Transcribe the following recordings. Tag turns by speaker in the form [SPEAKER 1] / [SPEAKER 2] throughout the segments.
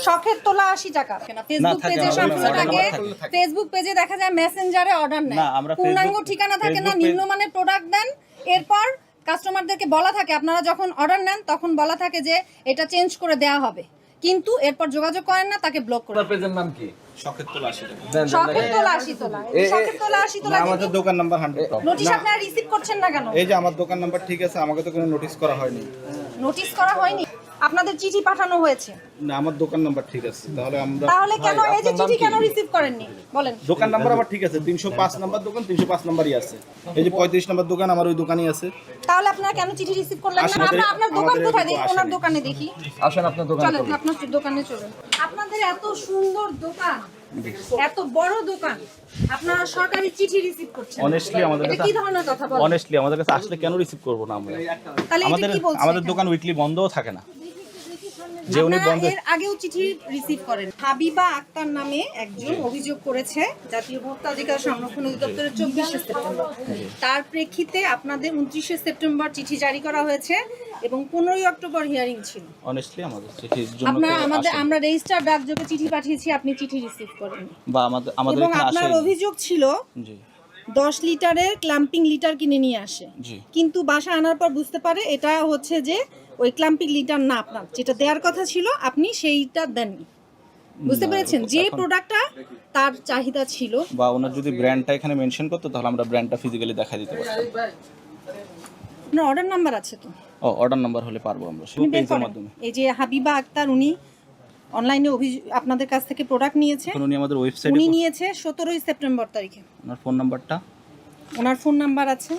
[SPEAKER 1] শখের তোলা 80 টাকা। ফেসবুক পেজে সবসময় থাকে, ফেসবুক পেজে দেখা যায় মেসেঞ্জারে অর্ডার নেয়, পূর্ণাঙ্গ ঠিকানা থাকে না, নিম্নমানের প্রোডাক্ট দেন। এরপর কাস্টমারদেরকে বলা থাকে আপনারা যখন অর্ডার নেন তখন বলা থাকে যে এটা চেঞ্জ করে দেওয়া হবে, কিন্তু এরপর যোগাযোগ করেন না, তাকে ব্লক করে।
[SPEAKER 2] পেজের নাম কি?
[SPEAKER 3] শখের তোলা 80 টাকা।
[SPEAKER 1] শখের তোলা 80 তোলা, শখের তোলা 80 তোলা।
[SPEAKER 3] আমাদের দোকান নাম্বার 100।
[SPEAKER 1] নোটিশ আপনারা রিসিভ করছেন না কেন?
[SPEAKER 3] এই যে আমার দোকান নাম্বার ঠিক আছে, আমাকে তো কোনো নোটিশ করা হয়নি।
[SPEAKER 1] নোটিশ করা হয়নি, আপনাদের চিঠি পাঠানো হয়েছে।
[SPEAKER 3] না, আমার দোকান নাম্বার ঠিক আছে,
[SPEAKER 1] তাহলে কেন এই যে চিঠি কেন রিসিভ করেননি বলেন?
[SPEAKER 3] দোকান নাম্বার আমার ঠিক আছে, 305 নাম্বার দোকান, 305 নাম্বারই আছে। এই যে 35 নাম্বার দোকান, আমার ওই দোকানই আছে।
[SPEAKER 1] তাহলে আপনারা কেন চিঠি রিসিভ করলেন না? আপনার দোকান কোথায়? দেখি ওনার দোকানে দেখি।
[SPEAKER 2] আসেন আপনার দোকানে।
[SPEAKER 1] চলেন আপনার দোকানে চলুন। আপনাদের এত সুন্দর দোকান, এত বড় দোকান, আপনারা সরকারি চিঠি রিসিভ করছেন।
[SPEAKER 3] অনেস্টলি আমাদের
[SPEAKER 1] এটা কি ধরনের কথা বলেন?
[SPEAKER 3] অনেস্টলি আমাদের কাছে আসলে কেন রিসিভ করব না আমরা?
[SPEAKER 1] তাহলে এটা কি বলছেন?
[SPEAKER 3] আমাদের দোকান উইকলি বন্ধও থাকে না। যে উনি
[SPEAKER 1] আপনারা
[SPEAKER 3] বন্ধ
[SPEAKER 1] এর আগেও চিঠি রিসিভ করেন। হাবিবা আক্তার নামে একজন অভিযোগ করেছে জাতীয় ভোক্তা অধিকার সংরক্ষণ অধিদপ্তরের 24শে সেপ্টেম্বর। তার প্রেক্ষিতে আপনাদের 29শে সেপ্টেম্বর চিঠি জারি করা হয়েছে এবং 15ই অক্টোবর হিয়ারিং ছিল।
[SPEAKER 3] অনেস্টলি আমাদের চিঠির জন্য
[SPEAKER 1] আমরা রেজিস্টার ডাকযোগে চিঠি পাঠিয়েছি, আপনি চিঠি রিসিভ করেন।
[SPEAKER 3] বা আমাদের
[SPEAKER 1] এবং
[SPEAKER 3] এখানে
[SPEAKER 1] আপনার
[SPEAKER 3] আসে।
[SPEAKER 1] অভিযোগ ছিল
[SPEAKER 3] জি
[SPEAKER 1] 10 লিটারের ক্ল্যাম্পিং লিটার কিনে নিয়ে আসে,
[SPEAKER 3] জি।
[SPEAKER 1] কিন্তু বাসা আনার পর বুঝতে পারে এটা হচ্ছে যে ওই ক্ল্যাম্পিং লিটার না, আপনার যেটা দেওয়ার কথা ছিল আপনি সেইটা দেননি। বুঝতে পেরেছেন? যে প্রোডাক্টটা তার চাহিদা ছিল,
[SPEAKER 3] বা ওনার যদি ব্র্যান্ডটা এখানে মেনশন করতো তাহলে আমরা ব্র্যান্ডটা ফিজিক্যালি দেখা দিতে পারতাম।
[SPEAKER 1] আপনার অর্ডার নাম্বার আছে তো?
[SPEAKER 3] অর্ডার নাম্বার হলে পারবো আমরা
[SPEAKER 1] আপনি বের
[SPEAKER 3] পেজের
[SPEAKER 1] করেন।
[SPEAKER 3] মাধ্যমে।
[SPEAKER 1] এই যে হাবিবা আক্তার, উনি অনলাইনে আপনাদের কাছ থেকে প্রোডাক্ট নিয়েছে।
[SPEAKER 3] এখন উনি আমাদের ওয়েবসাইটে,
[SPEAKER 1] উনি নিয়েছে 17ই সেপ্টেম্বর তারিখে।
[SPEAKER 3] ওনার ফোন নাম্বারটা,
[SPEAKER 1] ওনার ফোন নাম্বার আছে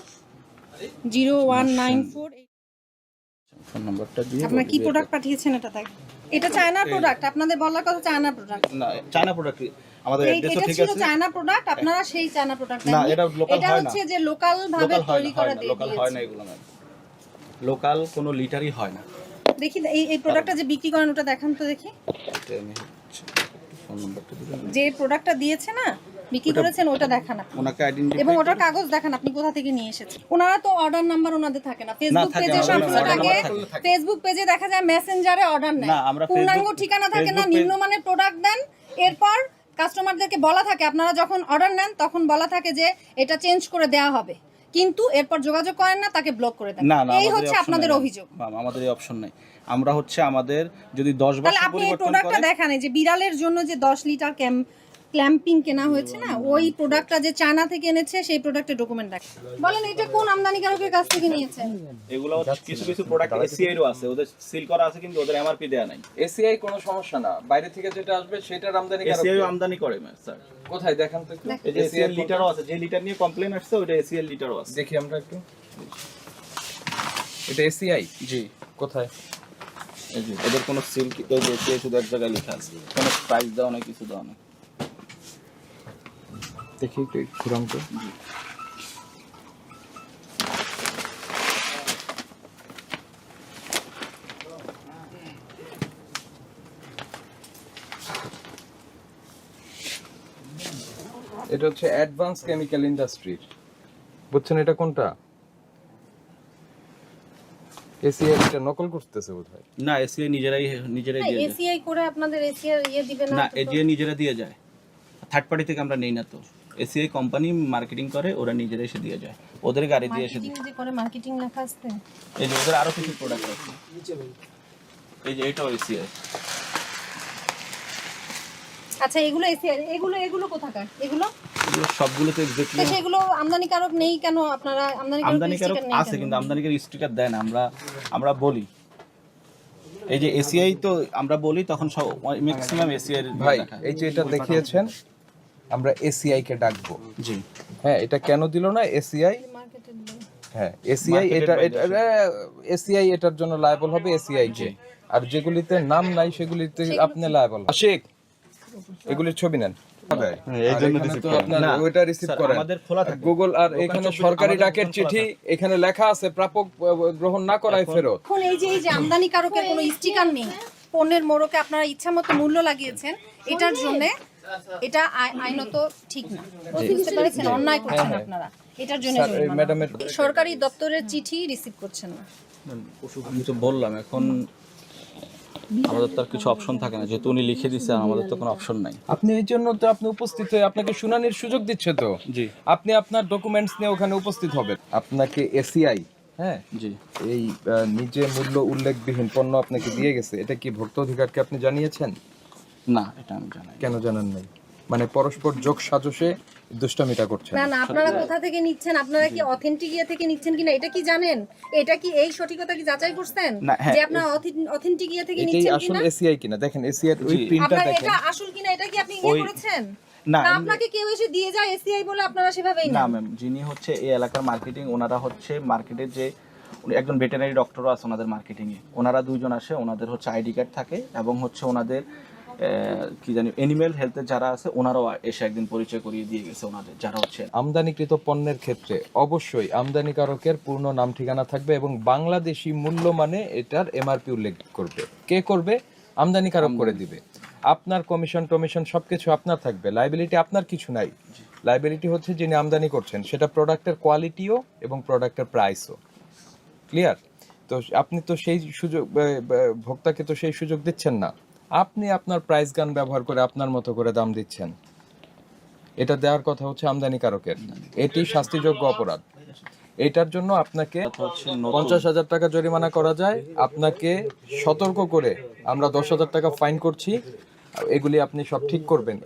[SPEAKER 1] 0194।
[SPEAKER 3] ফোন নাম্বারটা দিয়ে
[SPEAKER 1] আপনারা কি প্রোডাক্ট পাঠিয়েছেন এটা তাই? এটা চায়নার প্রোডাক্ট, আপনাদের বলার কথা চায়নার প্রোডাক্ট।
[SPEAKER 3] না, চায়না প্রোডাক্ট আমাদের অ্যাড্রেসও
[SPEAKER 1] এটা
[SPEAKER 3] ঠিক
[SPEAKER 1] ছিল
[SPEAKER 3] আছে।
[SPEAKER 1] চায়না প্রোডাক্ট, আপনারা সেই চায়না প্রোডাক্ট
[SPEAKER 3] না, এটা লোকাল
[SPEAKER 1] এটা
[SPEAKER 3] হয় না।
[SPEAKER 1] হচ্ছে যে লোকাল ভাবে তৈরি করে দিয়ে
[SPEAKER 3] লোকাল হয় না, এগুলো না, লোকাল কোনো লিটারই হয় না।
[SPEAKER 1] দেখি এই প্রোডাক্টটা যে বিক্রি করেন ওটা দেখান তো দেখি।
[SPEAKER 3] এটা আমি ফোন নাম্বারটা দিলাম,
[SPEAKER 1] যে প্রোডাক্টটা দিয়েছে না, বিক্রি করেছেন, ওটা দেখান আপনি,
[SPEAKER 3] ওনাকে আইডেন্টিফাই
[SPEAKER 1] এবং ওটার কাগজ দেখান আপনি কোথা থেকে নিয়ে এসেছেন। ওনারা তো অর্ডার নাম্বার ওনাদের থাকে না, ফেসবুক
[SPEAKER 3] থাকে,
[SPEAKER 1] পেজে
[SPEAKER 3] আমাদের
[SPEAKER 1] সবসময়
[SPEAKER 3] order
[SPEAKER 1] থাকে,
[SPEAKER 3] number থাকে।
[SPEAKER 1] ফেসবুক পেজে দেখা যায় মেসেঞ্জারে অর্ডার নেয়,
[SPEAKER 3] না, আমরা
[SPEAKER 1] পূর্ণাঙ্গ
[SPEAKER 3] Facebook-
[SPEAKER 1] ঠিকানা থাকে না,
[SPEAKER 3] Facebook
[SPEAKER 1] নিম্নমানের প্রোডাক্ট দেন। এরপর কাস্টমারদেরকে বলা থাকে আপনারা যখন অর্ডার নেন তখন বলা থাকে যে এটা চেঞ্জ করে দেওয়া হবে, কিন্তু এরপর যোগাযোগ করেন না, তাকে ব্লক করে দেন।
[SPEAKER 3] না,
[SPEAKER 1] এই
[SPEAKER 3] আমাদের
[SPEAKER 1] হচ্ছে
[SPEAKER 3] option
[SPEAKER 1] আপনাদের
[SPEAKER 3] নাই।
[SPEAKER 1] অভিযোগ।
[SPEAKER 3] আমাদের এই অপশন নাই। আমরা হচ্ছে আমাদের যদি 10
[SPEAKER 1] তাহলে
[SPEAKER 3] বছর
[SPEAKER 1] আপনি এই
[SPEAKER 3] পরিবর্তন
[SPEAKER 1] প্রোডাক্টটা
[SPEAKER 3] করে,
[SPEAKER 1] দেখান, এই যে বিড়ালের জন্য যে 10 লিটার ক্ল্যাম্পিং কেনা হয়েছে না, ওই প্রোডাক্টটা যে চায়না থেকে এনেছে সেই প্রোডাক্টের ডকুমেন্ট দেখান। বলেন এটা কোন আমদানিকারকের কাছ থেকে নিয়েছেন?
[SPEAKER 3] এগুলো হচ্ছে কিছু প্রোডাক্ট এসিআই এরও আছে, ওদের সিল করা আছে কিন্তু ওদের এমআরপি দেয়া নাই।
[SPEAKER 2] এসিআই কোনো সমস্যা না, বাইরে থেকে যেটা আসবে সেটার আমদানি
[SPEAKER 3] এসিআই আমদানি করে স্যার।
[SPEAKER 2] কোথায় দেখান তো একটু।
[SPEAKER 3] এই যে এসিএল লিটারও আছে, যে লিটার নিয়ে কমপ্লেইন আসছে ওটা এসিএল লিটারও আছে।
[SPEAKER 2] দেখি আমরা একটু। এটা এসিআই?
[SPEAKER 3] জি,
[SPEAKER 2] কোথায়?
[SPEAKER 3] এই যে ওদের কোনো সিল এই যে এসিআই শুধু এক জায়গায় লেখা আছে, কোনো প্রাইস দেওয়া নাই, কিছু দেওয়া নাই।
[SPEAKER 2] দেখি একটু ঘুরাম তো। এটা হচ্ছে অ্যাডভান্স কেমিক্যাল ইন্ডাস্ট্রির, বুঝছেন এটা কোনটা? এসিআই এটা নকল করতেছে বোধহয়।
[SPEAKER 3] না, এসিআই নিজেরাই দিয়ে যায়।
[SPEAKER 1] এসিআই করে আপনাদের এসিআই দিবে না?
[SPEAKER 3] না, এজিআই নিজেরা দিয়ে যায়, থার্ড পার্টি থেকে আমরা নেই না তো। এসিআই কোম্পানি মার্কেটিং করে, ওরা নিজেরা এসে দিয়ে যায়, ওদের গাড়ি দিয়ে এসে দিয়ে।
[SPEAKER 1] মার্কেটিং যে করে, মার্কেটিং লেখা আছে।
[SPEAKER 3] এই যে ওদের আরো কিছু প্রোডাক্ট আছে, এই যে এটাও এসিআই।
[SPEAKER 1] আচ্ছা এগুলো এসিআই, এগুলো কোথাকার? এগুলো
[SPEAKER 3] সবগুলো তো এক্স্যাক্টলি
[SPEAKER 1] তো সেগুলো আমদানিকারক নেই কেন? আপনারা
[SPEAKER 3] আমদানিকারক আছে কিন্তু আমদানিকার স্টিকার দেয় না। আমরা বলি এই যে এসিআই, তো আমরা বলি তখন সব ম্যাক্সিমাম এসিআই এর
[SPEAKER 2] ভাই এই যে এটা দেখিয়েছেন, আমরা এসিআই কে ডাকবো।
[SPEAKER 3] জি,
[SPEAKER 2] হ্যাঁ, এটা কেন দিল না এসিআই? হ্যাঁ, এসিআই এসিআই এটার জন্য লায়াবল হবে এসিআই কে, আর যেগুলিতে নাম নাই সেগুলিতে আপনি লায়াবল। আশিক, এগুলির ছবি নেন। ওইটা রিসিভ করেন
[SPEAKER 3] আমাদের খোলা থাকে
[SPEAKER 2] গুগল, আর এখানে সরকারি ডাকের চিঠি, এখানে লেখা আছে প্রাপক গ্রহণ না করায় ফেরত।
[SPEAKER 1] এখন এই যে আমদানিকারকের কোনো স্টিকার নেই, পণ্যের মোড়কে আপনারা ইচ্ছামতো মূল্য লাগিয়েছেন, এটার জন্য এটা আইনত ঠিক না। বুঝতে পেরেছেন? অন্যায় করছেন আপনারা, এটার জন্য
[SPEAKER 2] ম্যাডামের
[SPEAKER 1] সরকারি দপ্তরের চিঠি রিসিভ করছেন না।
[SPEAKER 3] আমি তো বললাম এখন আমাদের তো আর কিছু অপশন থাকে না, যেহেতু উনি লিখে দিচ্ছে আর আমাদের তো কোনো অপশন নাই।
[SPEAKER 2] আপনি এই জন্য তো আপনি উপস্থিত হয়ে আপনাকে শুনানির সুযোগ দিচ্ছে তো।
[SPEAKER 3] জি
[SPEAKER 2] আপনি আপনার ডকুমেন্টস নিয়ে ওখানে উপস্থিত হবেন। আপনাকে এসিআই হ্যাঁ
[SPEAKER 3] জি
[SPEAKER 2] এই নিজে মূল্য উল্লেখবিহীন পণ্য আপনাকে দিয়ে গেছে, এটা কি ভোক্তা অধিকারকে আপনি জানিয়েছেন?
[SPEAKER 3] না, এটা আমি জানি।
[SPEAKER 2] কেন জানান নাই? মানে পরস্পর যোগ সাজসে দুষ্টামিটা করছেন।
[SPEAKER 1] না না, আপনারা কোথা থেকে নিচ্ছেন, আপনারা কি অথেন্টিক ইয়ে থেকে নিচ্ছেন কিনা এটা কি জানেন? এটা কি এই সঠিকতা কি যাচাই করছেন
[SPEAKER 3] না, হ্যাঁ,
[SPEAKER 1] যে আপনারা অথেন্টিক ইয়ে থেকে
[SPEAKER 2] এটাই
[SPEAKER 1] নিচ্ছেন
[SPEAKER 2] আসল
[SPEAKER 1] কিনা?
[SPEAKER 2] এসিআই কিনা দেখেন, এসিআই ওই প্রিন্টটা
[SPEAKER 1] আপনারা
[SPEAKER 2] দেখেন।
[SPEAKER 1] এটা আসল কিনা এটা কি আপনি ইয়ে করেছেন?
[SPEAKER 3] না,
[SPEAKER 1] না আপনাকে কেউ এসে দিয়ে যায় এসিআই বলে আপনারা সেভাবেই
[SPEAKER 3] না
[SPEAKER 1] না?
[SPEAKER 3] ম্যাম, যিনি হচ্ছে এই এলাকার মার্কেটিং, ওনারা হচ্ছে মার্কেটের যে উনি একজন ভেটেরিনারি ডক্টরও আছে ওনাদের মার্কেটিংয়ে, ওনারা দুইজন আসে, ওনাদের হচ্ছে আইডি কার্ড থাকে এবং হচ্ছে ওনাদের কি জানি অ্যানিম্যাল হেলথের যারা আছে ওনারাও এসে একদিন পরিচয় করিয়ে দিয়ে গেছে ওনাদের যারা হচ্ছে।
[SPEAKER 2] আমদানিকৃত পণ্যের ক্ষেত্রে অবশ্যই আমদানিকারকের পূর্ণ নাম ঠিকানা থাকবে এবং বাংলাদেশি মূল্য মানে এটার এমআরপি উল্লেখ করবে। কে করবে? আমদানিকারক করে দিবে। আপনার কমিশন টমিশন সবকিছু আপনার থাকবে, লাইবিলিটি আপনার কিছু নাই। লাইবিলিটি হচ্ছে যিনি আমদানি করছেন, সেটা প্রোডাক্টের কোয়ালিটিও এবং প্রোডাক্টের প্রাইসও। ক্লিয়ার? তো আপনি তো সেই সুযোগ ভোক্তাকে তো সেই সুযোগ দিচ্ছেন না। আপনি আপনার প্রাইস গান ব্যবহার করে আপনার মতো করে দাম দিচ্ছেন। এটা দেওয়ার কথা হচ্ছে আমদানিকারকের। এটি শাস্তিযোগ্য অপরাধ। এটার জন্য আপনাকে 50,000 টাকা জরিমানা করা যায়, আপনাকে সতর্ক করে আমরা 10,000 টাকা ফাইন করছি। এগুলি আপনি সব ঠিক করবেন।